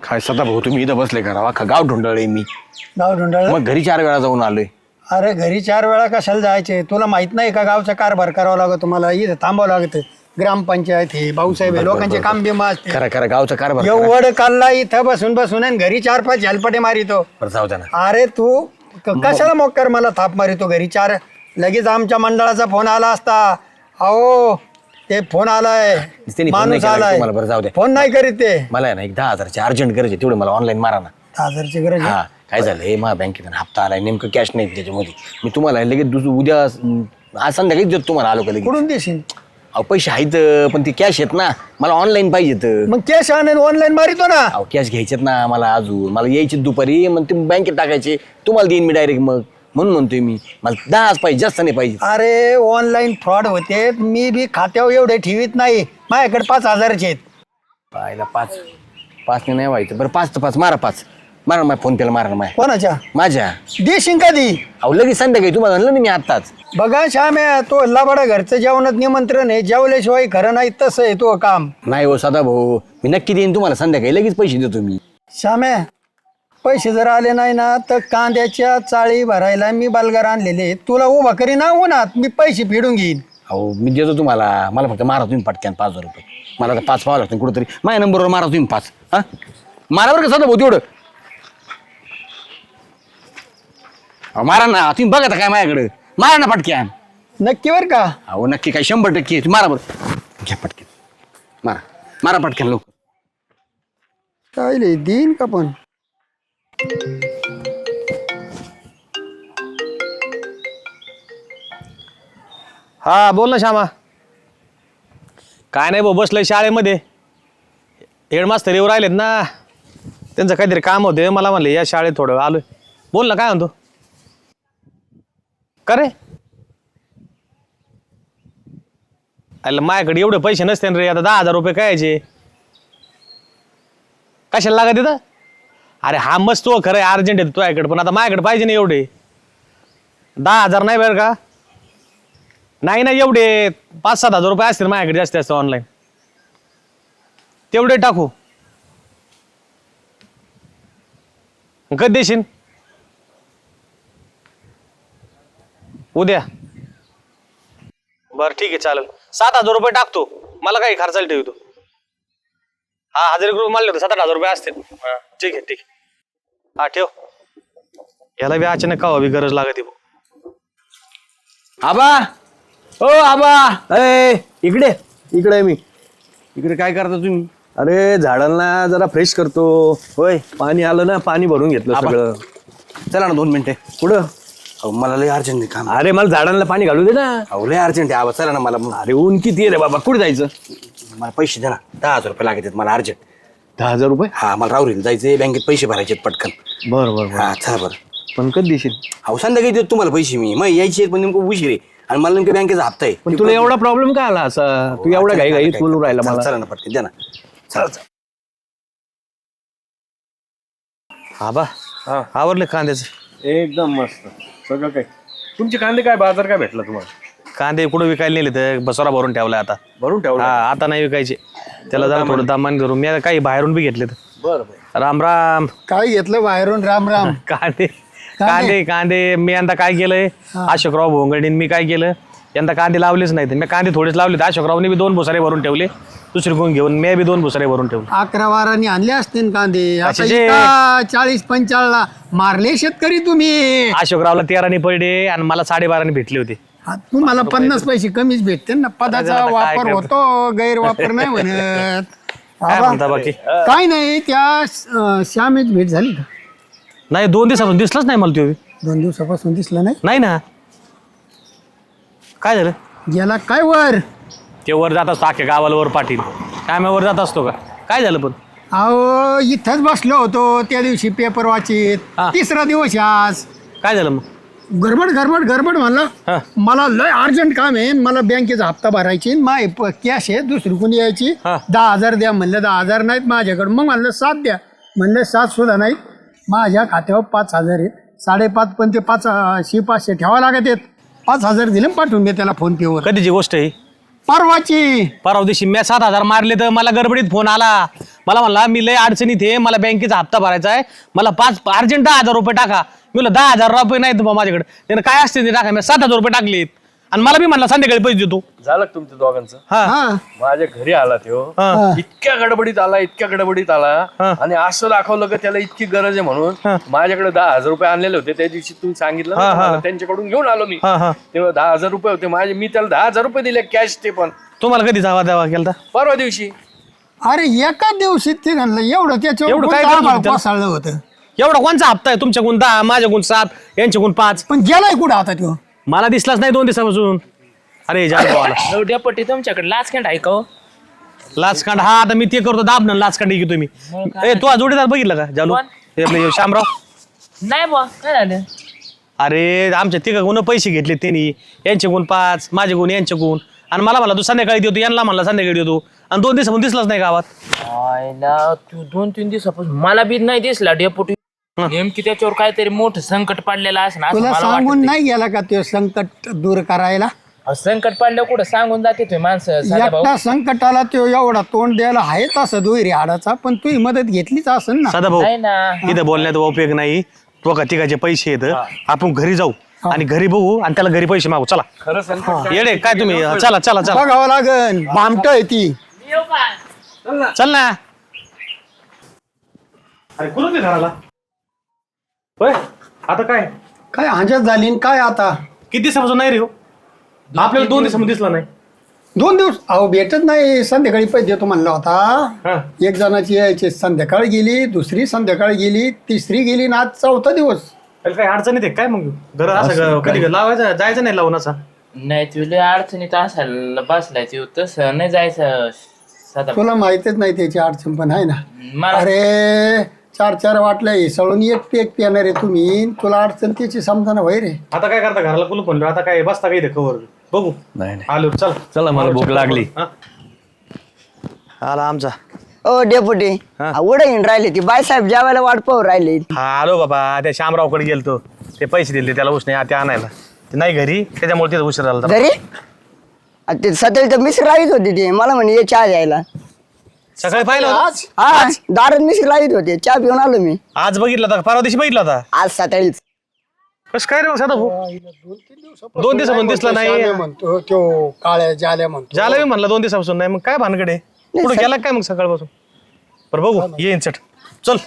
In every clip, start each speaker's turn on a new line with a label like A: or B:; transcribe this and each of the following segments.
A: काय सदा भाऊ तुम्ही इथं बसले करा अख्खा गाव ढुंडळले मी.
B: गाव ढोंढाळ.
A: मग घरी 4 वेळा जाऊन आलोय.
B: अरे घरी 4 वेळा कशाला जायचे? तुला माहित नाही का गावचा कारभार करावा लागतो तुम्हाला, इथं थांबावं लागतं. ग्रामपंचायत हे भाऊसाहेब हे लोकांचे काम बिमा असते.
A: खरं खरं गावचा कारभार करा.
B: एवढं काढला इथं बसून बसून आणि घरी 4-5 झलपटे मारितो.
A: बरं जाऊ द्या ना.
B: अरे तू कशाला मोक्कर मला थाप मारितो घरी 4? लगेच आमच्या मंडळाचा फोन आला असता. अहो ते फोन आलाय,
A: त्यांनी फोन नाही
B: माणूस
A: केला
B: आलाय.
A: तुम्हाला. बरं जाऊ द्या.
B: फोन नाही करीत ते.
A: मला आहे ना एक 10,000ची अर्जंट गरज आहे, तेवढं मला ऑनलाईन मारा ना.
B: 10,000ची गरज आहे.
A: हा काय झालंय माझ्या बँकेत हप्ता आलाय, नेमकं कॅश नाही त्याच्यामध्ये. मी तुम्हाला लगेच उद्या आज संध्याकाळीच देतो तुम्हाला. आलो का लगेच?
B: कुठून देशील?
A: अहो पैसे आहेत पण ते कॅश आहेत ना, मला ऑनलाईन पाहिजेत.
B: मग कॅश आणून ऑनलाईन मारितो ना.
A: अहो कॅश घ्यायचेत ना मला, अजून मला यायचे दुपारी, मग ते बँकेत टाकायचे. तुम्हाला देईन मी डायरेक्ट. मग म्हणून म्हणतोय मी मला 10 पाहिजे, जास्त नाही पाहिजे.
B: अरे ऑनलाईन फ्रॉड होते. मी बी खात्यावर एवढे ठेवीत नाही. माझ्याकडे 5,000चे आहेत.
A: पाहिला 5 नाही व्हायचं. बरं 5 तर 5 मारा. 5 मारा माझ्या फोन पेला मारा माझ्या.
B: कोणाच्या?
A: माझ्या.
B: देशील कधी?
A: अहो लगेच संध्याकाळी तुम्हाला म्हणलं ना मी आत्ताच.
B: बघा श्याम्या, तो लबाडा घरचं जेवणात निमंत्रण आहे, जेवल्याशिवाय खरं नाही. तसं आहे तो काम.
A: नाही हो सदा भाऊ, मी नक्की देईन तुम्हाला संध्याकाळी. लगेच पैसे देतो मी.
B: श्याम्या, पैसे जर आले नाही ना तर कांद्याच्या चाळी भरायला मी बालगार आणलेले, तुला उभा करी ना उन्हात, मी पैसे फेडून घेईन.
A: अहो मी देतो तुम्हाला. मला फक्त मारा तुम्ही पटक्यान 5,000 रुपये. मला आता 5 पाहावं लागतं कुठंतरी. माझ्या नंबरवर मारा तुम्ही 5. हा मारा बरं का सदा भाऊ तेवढं. अहो मारा ना तुम्ही. बघा आता काय माझ्याकडे. मारा ना पटक्यान.
B: नक्की बर का?
A: अहो नक्की काय 100% तुम्ही मारा बरं. घ्या पटक्यान. मारा पटक्यान लवकर.
B: काय लय देईन का पण?
C: हा बोल ना श्यामा. काय नाही भाऊ, बसलोय शाळेमध्ये. हेडमास्तर येऊ राहिलेत ना, त्यांचं काहीतरी काम होते. मला म्हणले या शाळेत थोडं आलोय. बोल ना, काय म्हणतो? का रे? अरे माझ्याकडे एवढे पैसे नसते रे. आता 10,000 रुपये कायचे? कशाला लागत तिथं? अरे हा मस्त तो खरं अर्जंट आहे तुझ्याकडे, पण आता माझ्याकडे पाहिजे ना एवढे. 10,000 नाही बरं का? नाही ना एवढे. 5-7 हजार रुपये असतील माझ्याकडे जास्त जास्त ऑनलाईन. तेवढे टाकू. कधी देशील? उद्या. बरं ठीक आहे चालेल. 7,000 रुपये टाकतो. मला काही खर्चाला ठेवतो. हा 1,000 रुपये मानले होते, 7-8 हजार रुपये असतील. ठीक आहे. हा ठेव. याला बी अचानक का हवी गरज लागते.
A: आबा ओ आबा, इकडे आहे मी. इकडे काय करता तुम्ही?
D: अरे झाडांना जरा फ्रेश करतो.
A: होय
D: पाणी आलं ना, पाणी भरून घेतलं
A: आबा.
D: सगळं.
A: चला ना 2 मिनिटे.
D: पुढं.
A: अहो मला लय अर्जंट आहे काम.
D: अरे मला झाडांना पाणी घालू दे ना.
A: अहो लय अर्जंट आहे आबा. चला ना. मला
D: अरे ऊन किती आहे रे बाबा, कुठे जायचं?
A: मला पैसे द्या ना. 10,000 रुपये लागत आहेत मला अर्जंट.
D: 10,000 रुपये?
A: हा मला राहुरीला जायचंय, बँकेत पैसे भरायचे पटकन.
D: बरं.
A: हा चला बरं.
D: पण कधी देशील?
A: अहो संध्याकाळी देतो तुम्हाला पैसे मी. मग यायचे पण नेमकं उशीर आहे आणि मला नेमकं बँकेचा हप्ता आहे.
D: पण तुला एवढा प्रॉब्लेम काय आला असा? तू एवढा घाई बोलून राहिला मला.
A: चला ना पटकन द्या ना. चला.
C: आबा आवरले कांद्याचं?
D: एकदम मस्त सगळं काय. तुमचे कांदे काय बाजार काय भेटला तुम्हाला?
C: कांदे कुठं विकायला नेले तर बसोरा भरून ठेवलाय आता.
D: भरून ठेवला?
C: हा आता नाही विकायचे. त्याला जरा थोडं दामान करून मी काही बाहेरून बी घेतले.
D: बरं.
C: राम राम.
B: काय घेतलं बाहेरून? राम राम.
C: कांदे मी यंदा काय केलंय, अशोकराव भोंगडीन मी काय केलं, यंदा कांदे लावलेच नाहीत. मी कांदे थोडेच लावले. अशोकरावने बी 2 भुसारे भरून ठेवले, दुसरी कोण घेऊन मी बी 2 भुसारे भरून ठेवले.
B: 11 वारांनी आणले असतील कांदे. आता
C: कशाचे?
B: इथं 40-45 मारले शेतकरी तुम्ही.
C: अशोकरावला 13 पडले आणि मला 12.5 भेटले होते.
B: तुम्हाला 50 पैसे कमीच भेटते ना. पदाचा
C: आता काय
B: वापर
C: करतो?
B: होतो, गैरवापर नाही म्हणत.
C: काय म्हणता बाकी?
B: काय नाही. त्या श्यामेच भेट झाली का?
C: नाही 2 दिवसापासून दिसलंच नाही मला. तो
B: 2 दिवसापासून दिसला नाही.
C: नाही ना. काय झालं?
B: गेला काय वर?
C: ते वर जात असतो अख्ख्या गावाला वर पाटील. काय मी वर जात असतो का? काय झालं पण?
B: अहो इथंच बसलो होतो त्या दिवशी पेपर वाचित.
C: हा.
B: 3रा दिवस आज.
C: काय झालं मग?
B: गडबड म्हणलं.
C: हा.
B: मला लय अर्जंट काम आहे. मला बँकेचा हप्ता भरायची. माय कॅश आहे, दुसरी कोणी यायची.
C: हा.
B: 10,000 द्या म्हणलं. 10,000 नाहीत माझ्याकडे. मग म्हणलं 7 द्या. म्हणलं 7 सुद्धा नाहीत. माझ्या खात्यावर 5,000 आहेत. 5.5 पण ते 500 ठेवा लागत आहेत. 5,000 दिले पाठवून मी त्याला फोन पेवर.
C: कधीची गोष्ट आहे?
B: परवाची.
C: परवा दिवशी मी 7,000 मारले तर मला गडबडीत फोन आला. मला म्हणला मी लय अडचणीत आहे, मला बँकेचा हप्ता भरायचा आहे, मला अर्जंट 10,000 रुपये टाका. मी म्हणलं 10,000 रुपये नाही तुम्हाला माझ्याकडे. त्यानं काय असते ते टाका. मी 7,000 रुपये टाकलेत आणि मला बी म्हणला संध्याकाळी पैसे देतो.
D: झालं का तुमच्या दोघांचं?
C: हा
B: हा
D: माझ्या घरी आला तो
C: हा.
D: इतक्या गडबडीत आला आणि असं दाखवलं का त्याला इतकी गरज आहे म्हणून. माझ्याकडे 10,000 रुपये आणलेले होते त्या दिवशी, तुम्ही सांगितलं ना मला, त्यांच्याकडून घेऊन आलो मी.
C: हा.
D: तेव्हा 10,000 रुपये होते माझे, मी त्याला 10,000 रुपये दिले कॅश. ते पण
C: तुम्हाला कधी जावा द्यावा केला?
D: परवा दिवशी.
B: अरे एका दिवशीत ते घाललं एवढं
C: एवढं काय
B: त्याच्यावर
C: करत होते त्याला?
B: कोसळलं होतं.
C: एवढा कोणचा हप्ता आहे? तुमच्याकडून 10, माझ्याकडून 7, यांच्याकडून 5.
B: पण गेलाय कुठं आता तो?
C: मला दिसलाच नाही 2 दिवसापासून. अरे जालू आला
E: डेपटी तुमच्याकडे लाचखंड आहे का हो?
C: लाचकांड. हा आता मी ते करतो दाबणं लाचकांड घेतो मी. ए तू जोडीदार बघितलं का जालू?
E: कोण?
C: हे आपले शामराव.
E: नाही बा, काय झालं?
C: अरे आमच्या तिघाकडून पैसे घेतले त्यांनी, यांच्याकडून 5, माझ्याकडून यांच्याकडून. आणि मला म्हणला तू संध्याकाळी देतो, यांना म्हणला संध्याकाळी देतो. आणि 2 दिवसापासून दिसलाच नाही गावात.
E: आयला तू 2-3 दिवसापासून मला बी नाही दिसला डेपुटी. नेमकी त्याच्यावर काहीतरी मोठं संकट पडलेलं असं
B: तुला सांगून नाही गेला का तो संकट दूर करायला?
E: संकट पडल्यावर कुठं सांगून जाते तुम्ही माणसं साधा भाऊ.
B: एकटा संकटाला तो एवढा तोंड द्यायला आहे तसं दुहेरी हाडाचा, पण तू मदत घेतलीच असेल ना.
C: साधा भाऊ
E: नाही ना.
C: इथं बोलण्यात उपयोग नाही. तो का तिघाचे पैसे येत, आपण घरी जाऊ आणि घरी बघू आणि त्याला घरी पैसे मागू. चला
D: खरं संकट
C: येडे काय तुम्ही? चला चला चला
B: बघावं लागन. भामट आहे ती.
E: येऊ का?
C: चल ना. अरे कुठं ते घराला? होय आता काय
B: काय हांजत झाली न काय आता?
C: किती दिवसापासून नाही रे हो? आपल्याला 2 दिवसामध्ये दिसला नाही.
B: 2 दिवस अहो भेटत नाही. संध्याकाळी पैसे देतो म्हणला होता.
C: हा.
B: एक जणाची यायची संध्याकाळ गेली, दुसरी संध्याकाळ गेली, तिसरी गेली ना आज 4था दिवस.
C: त्याला काही अडचण येते काय मग? घर असं कधी लावायचं जायचं नाही लावून असा?
E: नाही तुला अडचणीत असायला बसलाय तू, तसं नाही जायचं साधा भाऊ.
B: तुला माहितीच नाही त्याची अडचण पण आहे ना.
E: मला
B: अरे 4 वाटल्या हिसळून एक पेक पिणार आहे तुम्ही. तुला अडचण त्याची समजा वय रे.
C: आता काय करता? घराला कुलूप म्हणलं आता काय बसता काही कवर बघू.
A: नाही
C: आलो चल.
A: चला मला भूक लागली.
C: आला आमचा.
F: ओ डेपुटी उडे राहिले ती बाईसाहेब जेवायला वाट पाहू राहिले.
C: हा आलो बाबा. त्या शामरावकडे गेलतो, ते पैसे दिले त्याला उसने ते आणायला. ते नाही घरी, त्याच्यामुळे तिथं उशीर झाला.
F: घरी ते सतळी तर मिसरी लावित होती ते मला म्हणे ये चहा द्यायला.
C: सकाळी पाहिलं होतं?
F: हा दारात मिसरी लावित होते, चहा पिऊन आलो मी
C: आज बघितला होता, परवा दिवशी बघितला होता.
F: आज सकाळीच.
C: कसं काय रे मग साधा भाऊ? 2 दिवसापासून दिसला नाही.
B: श्यामे म्हणतो तो काळ्या जाल्या म्हणतो.
C: झालं मी म्हणला 2 दिवसापासून नाही. मग काय भानगडे पुढे गेला काय मग सकाळपासून? बरं बघू येईन चट. चल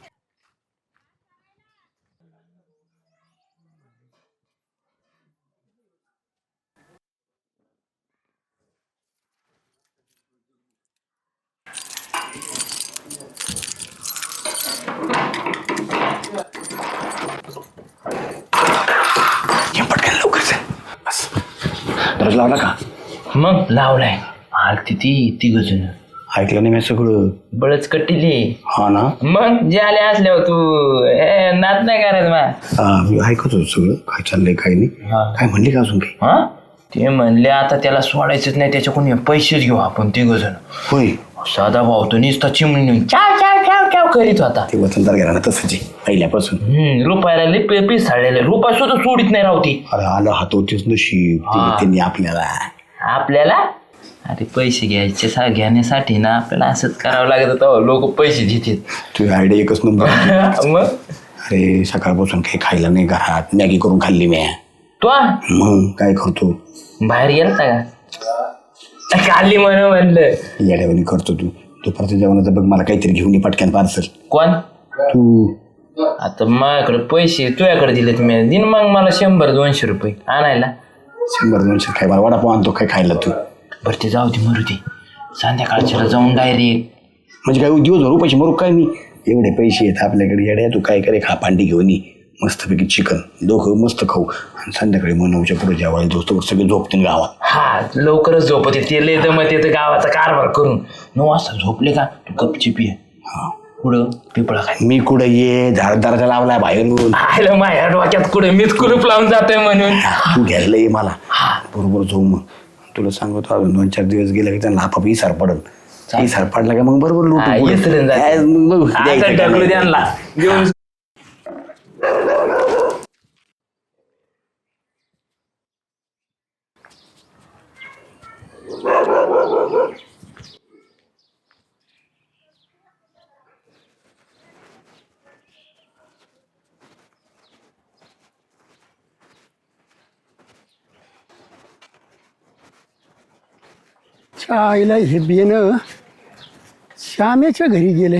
A: दररोज लावला का?
E: मग लावलाय. आलती ती गजून
A: ऐकलं नाही मी सगळं.
E: बळच कट्टिली.
A: हा ना.
E: मग जे आले असल्यावर तू नात नाही करायचं मा.
A: मी ऐकत होतो सगळं काय चाललंय काय नाही. काय म्हणली का अजून काही?
E: हा ते म्हणले आता त्याला सोडायचंच नाही, त्याच्याकडून पैसेच घेऊ आपण तिघजण.
A: होय
E: साधा भाऊ तो नुसता चिमणी चाव चाव चाव चाव करीत होता.
A: ते वतनदार घराणं तसंच आहे पहिल्यापासून.
E: रुपयाला लई पिसाळलेले, रुपया सुद्धा सोडित नाही रावती
A: अरे आलं हातोटीच नशीब दिलं त्यांनी आपल्याला.
E: आपल्याला. अरे पैसे घ्यायचे घेण्यासाठी ना आपल्याला असंच करावं लागत होतं. लोक पैसे देतात.
A: तुझी आयडिया एकच नंबर.
E: मग
A: अरे सकाळपासून काही खायला नाही घरात, मॅगी करून खाल्ली मी.
E: तो
A: मग काय करतो?
E: बाहेर गेलता का? खाल्ली म्हणलं
A: येड्यावानी करतो तू. दुपारच्या जेवणाचं बघ मला काहीतरी घेऊन ये पटक्यान पार्सल.
E: कोण?
A: तू
E: आता माझ्याकडे पैसे तुझ्याकडे दिले तुम्ही दिन मग मला 100-200 रुपये आणायला.
A: 100-200 काय मला वडापाव आणतो काय खायला तू?
E: बरं ते जाऊ दे, मरू दे. संध्याकाळच्याला जाऊन डायरेक्ट.
A: म्हणजे काय दिवसभर रुपयाचे मरू काय मी? एवढे पैसे आहेत आपल्याकडे येड्या. तू काय करे खा पांडी घेऊन ये मस्तपैकी चिकन दोघं मस्त खाऊ आणि संध्याकाळी मग 9च्या पुढे जेवायला दोस्त सगळे झोपतील गावात.
E: हा लवकरच झोपते ते लय दमत येतं गावाचा कारभार करून. 9 वाजता झोपले का तू गपची पिय.
A: हा
E: कुठं? पिपळा खाय.
A: मी कुठं ये झाडदाराचा लावलाय बाहेरून.
E: आयला माझ्या डोक्यात कुठे मीच कुलूप लावून जातोय म्हणून.
A: तू घ्यायला ये मला बरोबर जाऊ. मग तुला सांगतो अजून 2-4 दिवस गेले की त्यांना आपाप इसार पडल. इसार पडला का मग बरोबर लुटू
E: त्यांना घेऊन
B: च्या आईला हे बेनं श्यामेच्या घरी गेले.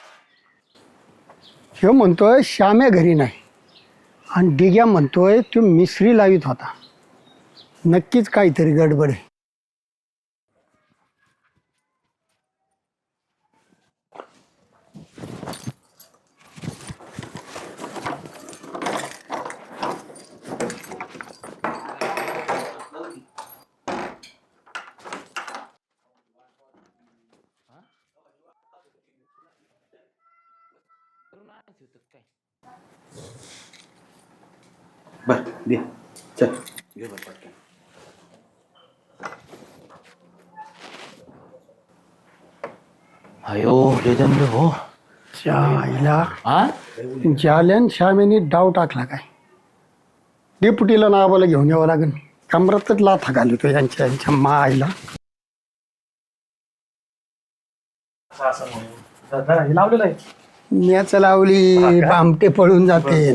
B: ह्यो म्हणतोय श्याम्या घरी नाही आणि डिग्या म्हणतोय तो मिसरी लावित होता. नक्कीच काहीतरी गडबड आहे.
A: बर दे चल घे बरं पटकन.
E: अयो लेजंड हो.
B: च्या आईला
E: हा
B: जाल्यान श्यामेने डाव टाकला काय. डेपुटीला नावाला घेऊन यावं लागेल. कमरातच लाथा घालतो यांच्या माईला.
C: लावलेलं आहे.
B: मॅच लावली बामटे पळून जाते.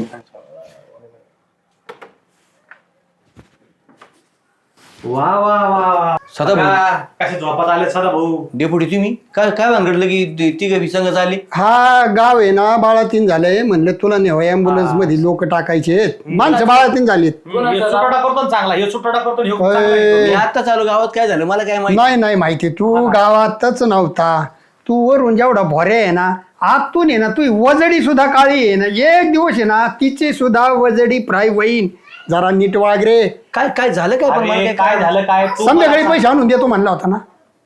C: वा वा वा
A: सदाभाऊ.
C: कसे झोपात आले सदा भाऊ.
A: डेपुटी तुम्ही काय काय भानगडलं की तिघं संघ आले.
B: हा गाव आहे ना बाळातीन झालंय. म्हणलं तुला नेवा ॲम्ब्युलन्स मध्ये लोक टाकायचे. माणसं बाळातीन झालीत.
C: सुटोडा करतो ना चांगला हे सुटोडा करतो ना, ह्यो चांगला
B: अय.
C: आहे.
A: मी आता चालू गावात काय झालं मला काय माहिती.
B: नाही नाही माहिती. तू गावातच नव्हता. तू वरून जेवढा भोरे आहे ना आतून आहे ना तू वजडी सुद्धा काळी आहे ना. एक दिवस आहे ना तिचे सुद्धा वजडी फ्राय होईन. जरा नीट वाग रे.
A: काय काय झालं काय पण मला
C: अरे,
A: काय
C: काय झालं काय तू
B: संध्याकाळी
C: मला
B: पैसे आणून देतो म्हणला होता ना.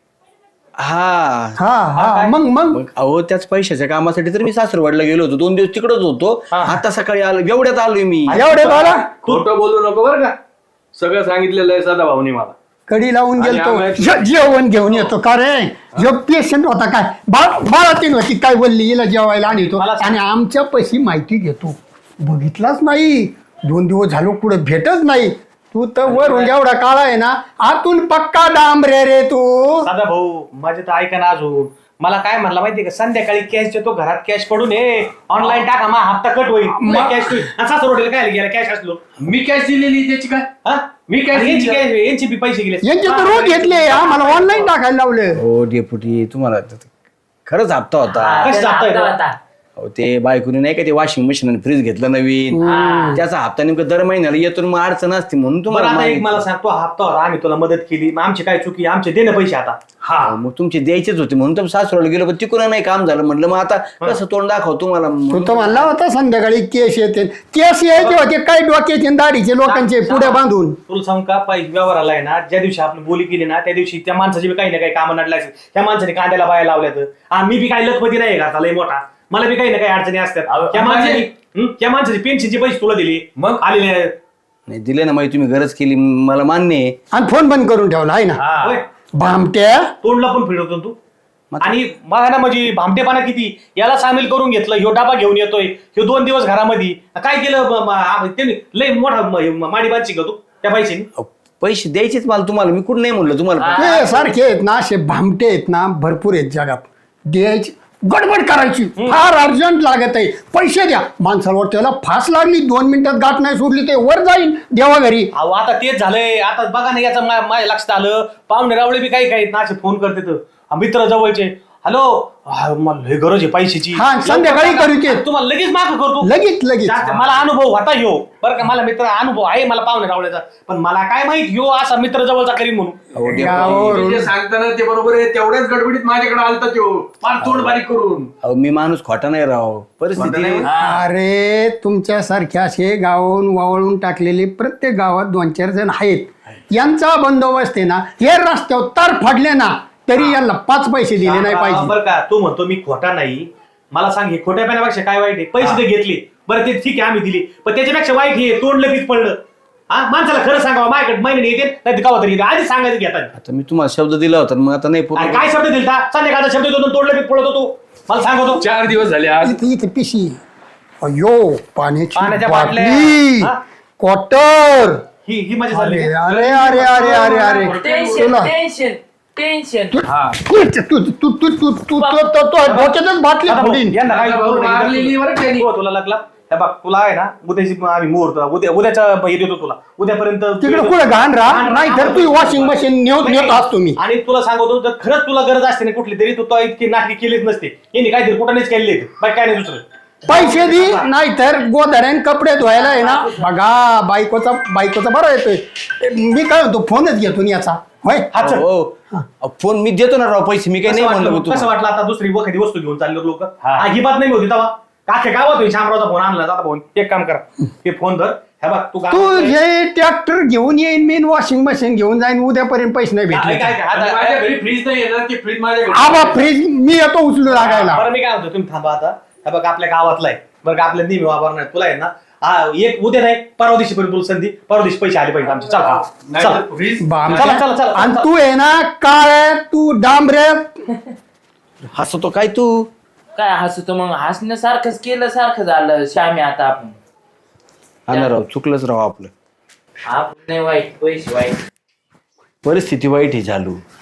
A: हा
B: हा हा मग मग
A: मग अहो त्याच पैशाच्या कामासाठी तर मी सासरवाडला गेलो होतो. 2 दिवस तिकडच होतो. आता सकाळी आलो एवढ्यात आलोय मी.
B: एवढे बाला
D: खोटं बोलू नको बरं का. सगळं सांगितलेलं आहे सदा भाऊनी मला.
B: कडी लावून
D: आणि
B: गेलतो.
D: आम्ही-
B: जेवण घेऊन येतो का रे. जो पेशंट होता काय बाळातीन होती काय बोलली हिला जेवायला आणतो
C: मला सांग.
B: आणि आमच्या पैशी माहिती घेतो. बघितलाच नाही. 2 दिवस झालो कुठं भेटच नाही. तू तर वरून एवढा काळा आहे ना आतून पक्का डांबरे रे तू.
C: सदा भाऊ माझे तर ऐका ना अजून. मला काय म्हणला माहितीये का संध्याकाळी कॅश देतो घरात कॅश पडून ये ऑनलाईन टाका मा हप्ता कट होईल कॅश होईल. काय गेला कॅश असलो
D: मी कॅश दिलेली त्याची काय.
C: हा
D: मी कॅश
C: यांची
D: दिली.
C: काय यांची बी पैसे गेले
B: यांचे तर रोज घेतले आम्हाला ऑनलाईन टाकायला लावलं.
A: हो डेपुटी तुम्हाला खरंच हप्ता होता.
C: कशी जातोय तो?
A: अहो ते बायकोने नाही का ते वॉशिंग मशीन आणि फ्रीज घेतलं नवीन. त्याचा हप्ता नेमका दर महिन्याला येतो मग अडचण असते म्हणून
C: बरं
A: तुम्हाला
C: आता एक
A: मागितलं.
C: मला सांग तो हप्ता होता आम्ही तुला मदत केली मग आमची काय चुकी आमचे दे ना पैसे आता.
A: अहो, मग तुमचे द्यायचेच होते म्हणून तर सासरवाडला गेलो पण तिकडून नाही काम झालं. म्हटलं मग आता कसं तोंड दाखव तुम्हाला.
B: तू तर म्हणला होता संध्याकाळी केस येते. केस यायचे होते काय डोक्याचे आणि दाढीचे लोकांचे पुढे बांधून.
C: तुला सांग का पैसे व्यवहाराला आहे ना ज्या दिवशी आपली बोली केली ना त्या दिवशी त्या माणसाची बी काही ना काही कामं नडल्या असेल. त्या माणसाने कांद्याला बाया लावल्यात. मी बी काही लखपती नाही घातला लय मोठा. मला बी काही ना काही अडचणी असतात. त्या माणसाची पेन्शनचे पैसे तुला दिले मग आलेले आहेत.
A: नाही दिले ना माहिती तुम्ही गरज केली मला मान्य आहे.
B: आणि फोन बंद करून ठेवला आहे ना
C: होय.
B: भामट्या.
C: तोंडला पण फिरवतो तू. आणि मला ना म्हणजे भामटेपणा किती याला सामील करून घेतलं. ह्यो डाबा घेऊन येतोय ह्यो 2 दिवस घरामध्ये काय केलं त्यांनी लय मोठा माडी बांधशी का तू त्या पैशाने.
A: अहो, पैसे द्यायचेच मला तुम्हाला. मी कुठं नाही म्हणलं तुम्हाला.
B: ते सारखे आहेत ना असे भामटे आहेत ना भरपूर आहेत जगात. द्यायची गडबड करायची फार अर्जंट लागत आहे. पैसे द्या माणसावर त्याला फास लागली 2 मिनिटात गाठ नाही सोडली ते वर जाईल देवा घरी.
C: अहो आता तेच झालंय. आता बघा ना याचं माझ्या लक्षात आलं पाहुणे रावळे बी काही काही ना असे फोन करते तर मित्र जवळचे. हॅलो मला लय गरज आहे पैशाची.
B: हा, संध्याकाळी करू ते.
C: तुम्हाला लगेच माफ करतो.
B: लगेच
C: जास्त मला अनुभव होता ह्यो बरं का. मला मित्र अनुभव आहे मला पाहुणे रावळ्याचा. पण मला काय माहित ह्यो असा मित्र जवळचा करीन म्हणून.
A: अहो, डेपुटी.
B: गावावरून
D: जे सांगताना ते बरोबर आहे. तेवढ्याच गडबडीत माझ्याकडे आलता तो फार तोंड बारीक करून.
A: अहो मी माणूस खोटा नाही राव. परिस्थिती
B: अरे तुमच्यासारखे असे गावावरून वावळून टाकलेले प्रत्येक गावात 2-4 जण आहेत. यांचा बंदोबस्त आहे ना हे रस्त्यावर तार फाडले ना तरी यांना 5 पैसे दिले नाही पाहिजे.
C: बरं का तू म्हणतो मी खोटा नाही. मला सांग हे खोट्या पाण्यापेक्षा काय वाईट आहे. पैसे ते घेतले बरं ते ठीक आहे आम्ही दिली पण त्याच्यापेक्षा वाईट हे तोंड लगेच पडलं. हा माणसाला खरं सांगावं माझ्याकडे महिन्याने येते नाही गावात येते आधी सांगायचं घेतात.
A: आता मी तुम्हाला शब्द दिला होता मग आता नाही
C: अरे काय शब्द दिलता संध्याकाळचा शब्द देतो तोंड लगेच पडत होतो. मला सांगतो
D: 4 दिवस झाले आज.
B: इथे पिशी अयो पाण्याची
C: पाण्याच्या बाटल्या.
B: बाटली
C: हा?
B: क्वार्टर.
C: ही माझी चालली.
B: अरे अरे अरे अरे अरे
E: टेन्शन
B: तुला
E: टेन्शन टेन्शन.
B: डोक्यातच बाटली फोडीन.
C: यांना काय
D: मारलेली बरं त्यांनी.
C: हो, तुला लागला हे बघ तुला आहे ना उद्याची आम्ही मुहूर्त उद्याच्या हे देतो तुला उद्यापर्यंत
B: तिकडे कुठे घाण राहा नाही तर तू वॉशिंग मशीन नेत असतो मी.
C: आणि तुला सांगतो जर खरंच तुला गरज असते ना कुठली तरी तू इतकी नाटकी केलीच नसते यांनी काहीतरी कुठं केलेली बाकी काय नाही दुसरं.
B: पैसे दे नाही तर गोधड्यान कपडे धुवायला आहे ना बघा बायकोचा बरं येतोय. मी काय म्हणतो फोनच घेतो ना याचा होय.
A: फोन मी देतो ना राव पैसे मी काही नाही म्हणलं
C: कसं वाटलं आता दुसरी एखादी वस्तू घेऊन चालले लोक ही बात नाही होती तेव्हा काखे गावात होईल शामरावचा फोन आणला जाता फोन एक काम करा ते फोन धर हे बघ तू
B: तू हे ट्रॅक्टर घेऊन येईन मी वॉशिंग मशीन घेऊन जाईन उद्यापर्यंत पैसे नाही भेटले.
D: माझ्या घरी फ्रीज नाही येणार की फ्रीज माझ्या घरी
B: आबा फ्रीज मी येतो उचलू लागायला.
C: बरं मी काय म्हणतो तुम्ही थांबा आता हे बघ आपल्या गावातला आहे बरं का आपल्या नेहमी वापरणार तुला आहे ना एक उद्या नाही परवा दिवशी पर्यंत तुला संधी परवा दिवशी पैसे आले पाहिजे आमचे चला
D: फ्रीज
C: चला
B: आणि तू आहे ना काळ तू डांबरे
A: हसतो काय तू
E: काय हसतो मग हसण्यासारखंच केलं सारखं झालं श्यामी आता आपण
A: हा ना राव चुकलंच राव आपलं
E: आपण नाही वाईट पैसे वाईट
A: परिस्थिती वाईट ही चालू